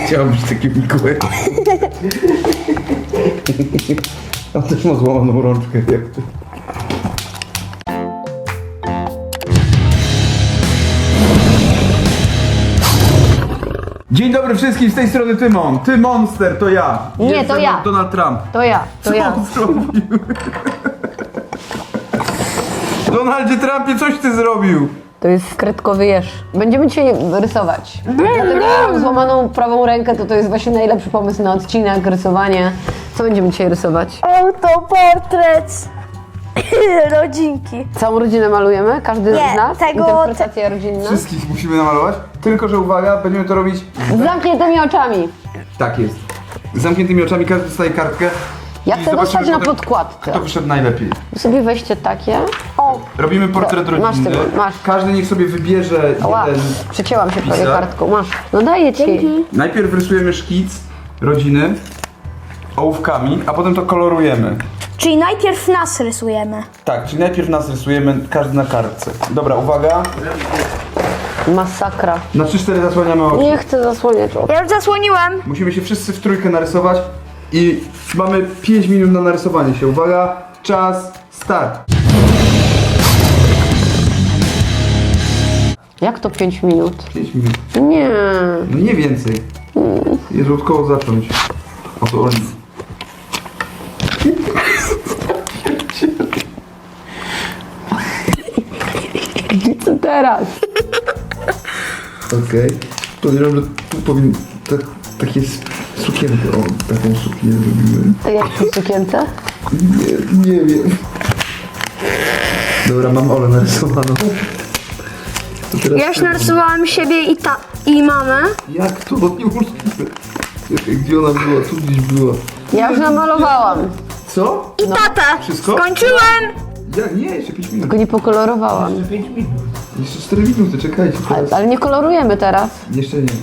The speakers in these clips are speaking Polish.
chciałem być taki Mikołaj. On też ma złamaną rączkę, jak ty. Dzień dobry wszystkim, z tej strony Tymon. Ty Monster, to ja. Nie, Jest to ze mną ja. Donald Trump. To ja, to ja. Co on zrobił? Donaldzie Trumpie, coś ty zrobił. To jest kredkowy jeż. Będziemy dzisiaj rysować. Dlatego ja mam złamaną prawą rękę, to jest właśnie najlepszy pomysł na odcinek, rysowanie. Co będziemy dzisiaj rysować? Autoportret rodzinki. Całą rodzinę malujemy? Każdy Nie, z nas? tego- Interpretacja rodzinna? Wszystkich musimy namalować, tylko że uwaga, będziemy to robić... Z zamkniętymi oczami. Tak jest. Z zamkniętymi oczami każdy dostaje kartkę. Ja i chcę zobaczymy dostać na potem, podkładce. kto wyszedł najlepiej. Wy sobie weźcie takie. O, Robimy portret Masz rodziny. tego, masz. Każdy niech sobie wybierze ła, jeden. przecięłam się prawie pisar. kartką. Masz. No daję ci. Najpierw rysujemy szkic rodziny ołówkami, a potem to kolorujemy. Czyli najpierw nas rysujemy. Tak, czyli najpierw nas rysujemy, każdy na kartce. Dobra, uwaga. Masakra. Na 3-4 zasłaniamy oczy. Nie chcę zasłaniać oczu. Ja już zasłoniłem. Musimy się wszyscy w trójkę narysować i mamy 5 minut na narysowanie się. Uwaga, czas, start. Jak to 5 minut? 5 minut. Nie. No nie więcej. Jest od kogo zacząć. O to oni. Co teraz? Okej. Podejrzewam, że tu powinien takie sukienkę, o, taką suknię zrobimy. A jak to w sukience? Nie wiem. Dobra, mam Olę narysowaną. To teraz Ja już ty. narysowałem siebie i mamę. Jak to? Niemożliwe. Czekaj, gdzie ona była? Tu gdzieś była. Ja już namalowałam. Co? I tatę. Wszystko? Skończyłem. Nie, jeszcze 5 minut. Tylko nie pokolorowałam. Jeszcze 4 minuty, czekajcie teraz. Ale nie kolorujemy teraz. Jeszcze nie.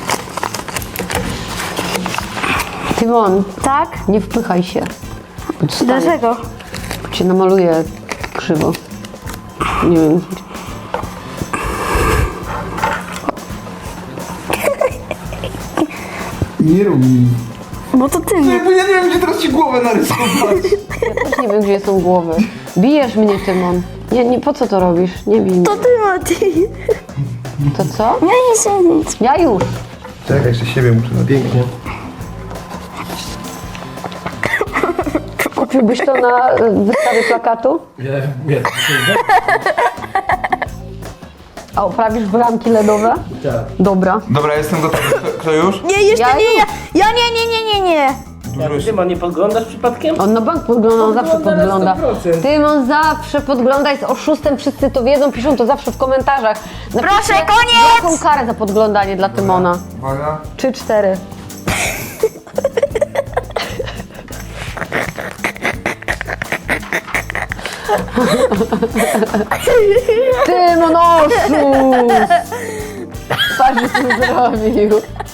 Tak? Tymon, nie wpychaj się. Bo ci stanie. Dlaczego? Bo cię namaluję krzywo. Nie wiem. Nie rób mi. Bo to ty No mnie. jakby ja nie wiem, gdzie teraz ci głowę narysować. Ja też nie wiem, gdzie są głowy. Bijesz mnie, Tymon. Nie, po co to robisz? Nie bij mnie. To ty, Mati. To co? Ja nie chcę nic. Ja już. Czekaj, jeszcze siebie muszę na pięknie. Kupiłbyś to na wystawie plakatu? Nie. A oprawisz bramki LEDowe? Tak. Dobra. Dobra, jestem gotowy. Kto już? Nie, jeszcze Ja nie. już. Ja nie. Ty nie podglądasz przypadkiem? On na bank podgląda, on zawsze Podgląda na podgląda. 100%. Tymon zawsze podgląda, jest oszustem, wszyscy to wiedzą, piszą to zawsze w komentarzach. Napiszcie, Proszę, koniec! jaką karę za podglądanie dla Tymona. Uwaga. 3-4. Tymon oszust! Patrz, co zrobił.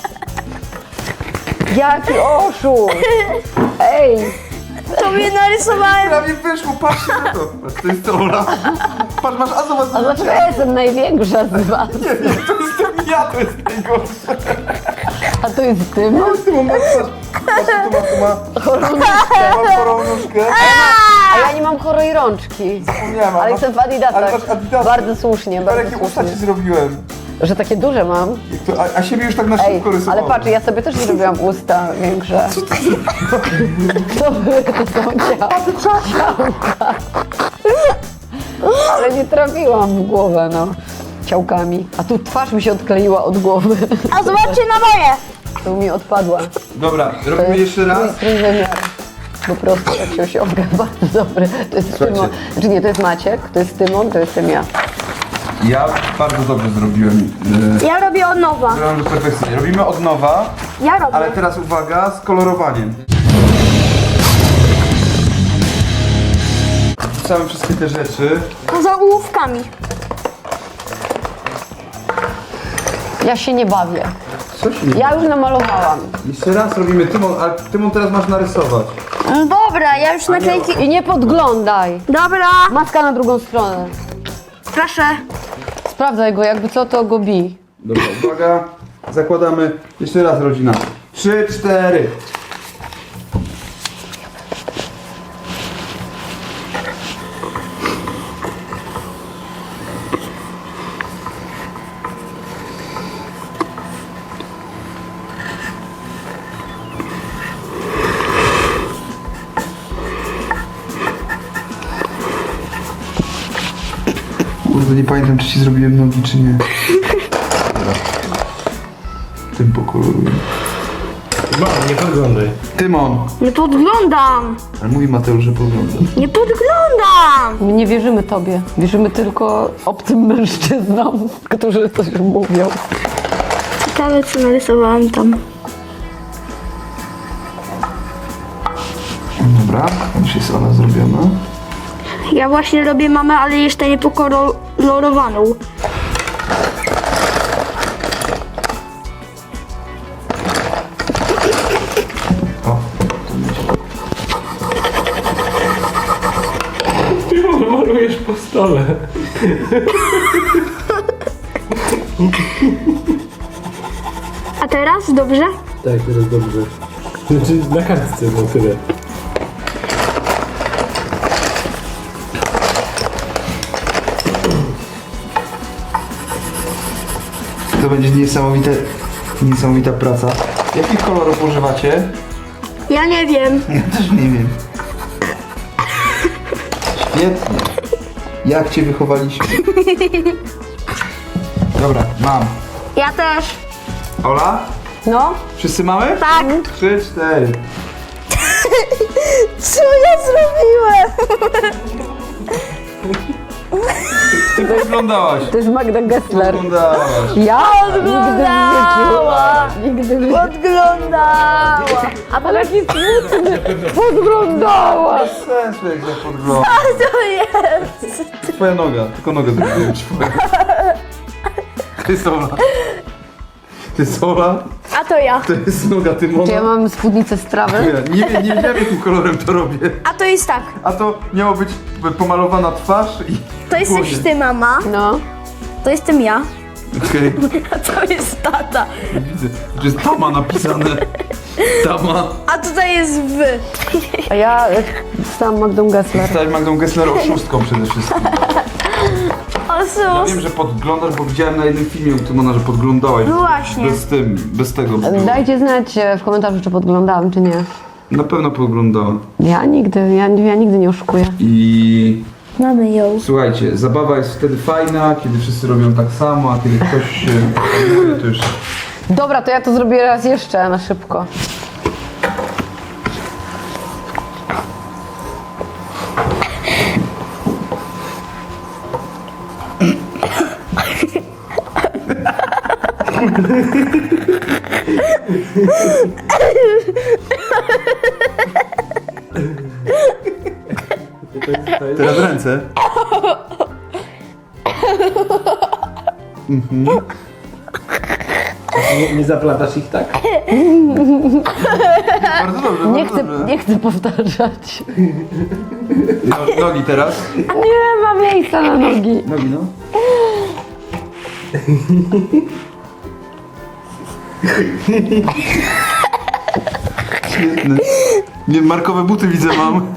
Jaki oszust! Ej! To mnie narysowałem. Prawie wyszło, patrzcie na to. Patrz, to jest Ola. Patrz, masz a zobacz. A dlaczego ja jestem największa z was? Nie, to jestem ja, to jest najgorsze. A to jest Tymon? Tu mam, patrz, tu ma Chorą nóżkę. chorą nóżkę. A ja nie mam chorej rączki. Zapomniałem, Ale masz- jestem w ale Adidasach. masz Adidasy. Bardzo słusznie, Patrz, bardzo jakie usta ci słusznie. zrobiłem. Że takie duże mam. Jak to, a siebie już tak na Ej, szybko rysowałem. ale patrz, ja sobie też zrobiłam usta większe. Co były to są ciałka? Ale nie trafiłam w głowę, no. Ciałkami. A tu twarz mi się odkleiła od głowy. A zobaczcie na moje. To mi odpadła. Dobra, To robimy jest jeszcze raz. mój trójwymiar. Po prostu jak się osiąga. Bardzo dobry. To jest Słuchajcie. Tymon. Znaczy nie, to jest Maciek, to jest Tymon, to jestem ja. Ja bardzo dobrze zrobiłem. Ja robię od nowa. Zrobiłem to perfekcyjnie. Robimy od nowa, Ja robię. ale teraz uwaga, z kolorowaniem. Wrzucamy wszystkie te rzeczy. Poza ołówkami. Ja się nie bawię. Co się nie... Ja już namalowałam. Jeszcze raz robimy Tymon, ale Tymon teraz masz narysować. Dobra, ja już naklejki. I nie podglądaj. Dobra. Maska na drugą stronę. Proszę. Sprawdzaj go, jakby co, to go bij. Dobra, uwaga. Zakładamy. Jeszcze raz rodzina. 3, 4. Kurde, nie pamiętam, czy ci zrobiłem nogi, czy nie. Dobra. Tym pokoluję. No, nie podglądaj. Tymon! Nie podglądam! Ale mówi Mateusz, że pogląda. Nie podglądam! My nie wierzymy tobie. Wierzymy tylko obcym mężczyznom, którzy coś mówią. Ciekawe, co narysowałam tam. Dobra, już jest ona zrobiona. Ja właśnie robię mamę, ale jeszcze nie pokolorowaną. O, to będzie. Ty malujesz po stole. A teraz? Dobrze? Tak, teraz dobrze. Znaczy na kartce, no tyle. To będzie niesamowita praca. Jakich kolorów używacie? Ja nie wiem. Ja też nie wiem. Świetnie. Jak cię wychowaliśmy? Dobra, mam. Ja też. Ola? No, Wszyscy mamy? Tak. 3, 4. Co ja zrobiłem? Ty podglądałaś. to jest Magda Gessler. Podglądałaś. Ja nigdy w życiu. Podglądała. Ale jaki smutny. Podglądała. Bez sensu jak ja podglądam. To jest. Twoja noga, tylko nogę zrobiłem twoją. To jest Ola. To jest Ola, A to ja. to jest noga Tymona. Czy ja mam spódnicę z trawy? Nie wiedziałem jakim kolorem to robię. A to jest tak. A to miało być pomalowana twarz i... To jesteś dłonie. ty, mama. No. To jestem ja. Okej, A to jest tata. widzę. To jest Tama napisane. Tama. A tutaj jest wy. A ja stałam Magdą Gessler. Stać Magdą Gessler oszustką przede wszystkim. Ja Osus. wiem, że podglądasz, bo widziałem na jednym filmie u Tymona, że podglądałeś. No właśnie. Bez tego. Dajcie znać w komentarzu, czy podglądałam, czy nie. Na pewno podglądałem. Ja nigdy nie oszukuję. I Mamy ją. słuchajcie, zabawa jest wtedy fajna, kiedy wszyscy robią tak samo, a kiedy ktoś się... to już... Dobra, to ja to zrobię raz jeszcze na szybko. Teraz ręce. Nie zaplatasz ich tak? Bardzo dobrze, bardzo dobrze. Nie chcę powtarzać. Nogi teraz. Nie ma miejsca na nogi. Nogi, no. Świetne. Nie, markowe buty widzę mam.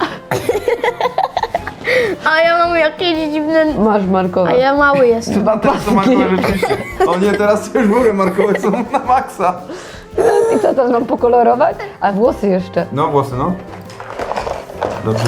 A ja mam jakieś dziwne... Masz markowe. A ja mały jestem. A teraz to markowe rzeczywiście. O nie, teraz to już w ogóle markowe są na maksa. I co teraz mam pokolorować? A włosy jeszcze. No, włosy, no. Dobrze.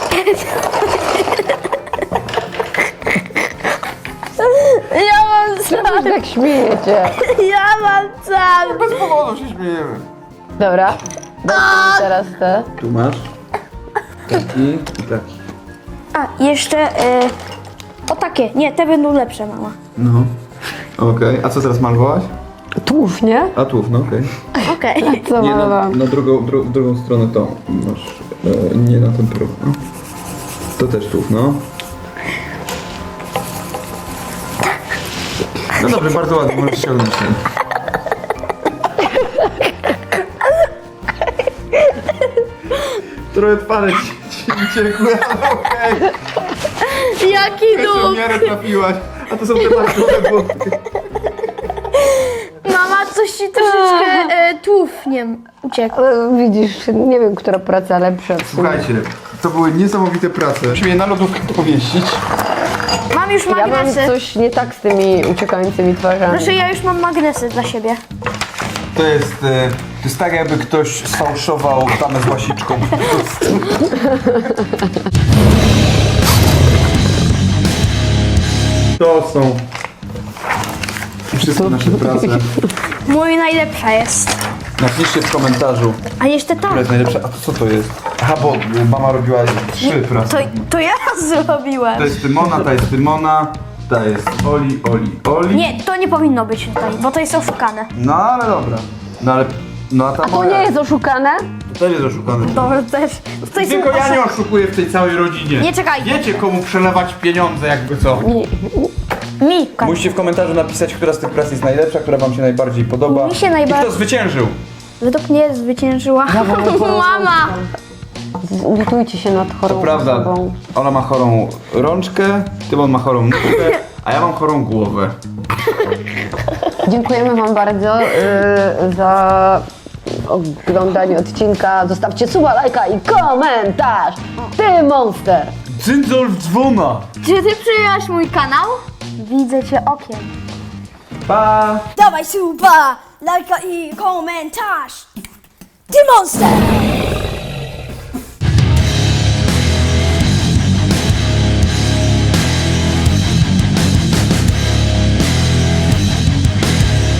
Ja mam Czemu się tak śmiejecie? Ja mam cały. Bez powodu się śmiejemy. Dobra. Dajcie teraz te. Tu masz. Taki i taki. A, jeszcze... o takie. Nie, te będą lepsze, mama. No. Okej, a co teraz malowałaś? Tłów, nie? A tu, no okej. Okej. Co Nie, malowałam? na drugą stronę tą masz. Nie na ten próg. No. To też tu, no. No dobrze, bardzo ładnie, możesz ściągnąć ten. Trochę twarze ci ciekły, ale okej. Jaki Jeszcze w dół. miarę trafiłaś. A to są te markowe buty. Mama, coś coś troszeczkę tłufniem uciekł. Ale widzisz, nie wiem, która praca lepsza. w sumie. Słuchajcie, to były niesamowite prace. Musimy je na lodówkę pomieścić. Mam już Ja mam magnesy. coś nie tak z tymi uciekającymi twarzami. Proszę, ja już mam magnesy dla siebie. To jest tak, jakby ktoś sfałszował tamę z łasiczką. To są wszystkie nasze prace. Mój najlepsza jest. Napiszcie w komentarzu, A jeszcze ta. która jest najlepsza. A to co to jest? Aha, bo mama robiła 3 prace. To ja zrobiłem. To jest Tymona, ta jest Tymona, ta jest Oli. Nie, to nie powinno być tutaj, bo to jest oszukane. No ale dobra. No a ta To moja... nie jest oszukane? To też jest oszukane. Dobra, też. To jest Tylko ja nie oszukuję w tej całej rodzinie. Nie, czekaj. Wiecie, komu przelewać pieniądze, jakby co. Mi. Musicie w komentarzu napisać, która z tych prac jest najlepsza, która wam się najbardziej podoba. Mi się I najbardziej- kto zwyciężył. Według mnie zwyciężyła mama. Zlitujcie się nad chorą To prawda, osobą. ona ma chorą rączkę, Tymon ma chorą nóżkę, a ja mam chorą głowę. Dziękujemy wam bardzo za oglądanie odcinka. Zostawcie suba, lajka i komentarz. Ty monster! Cyndzel w dzwona! Czy ty przyjęłaś mój kanał? Widzę cię okiem. Pa! Dawaj suba, lajka i komentarz. Ty monster!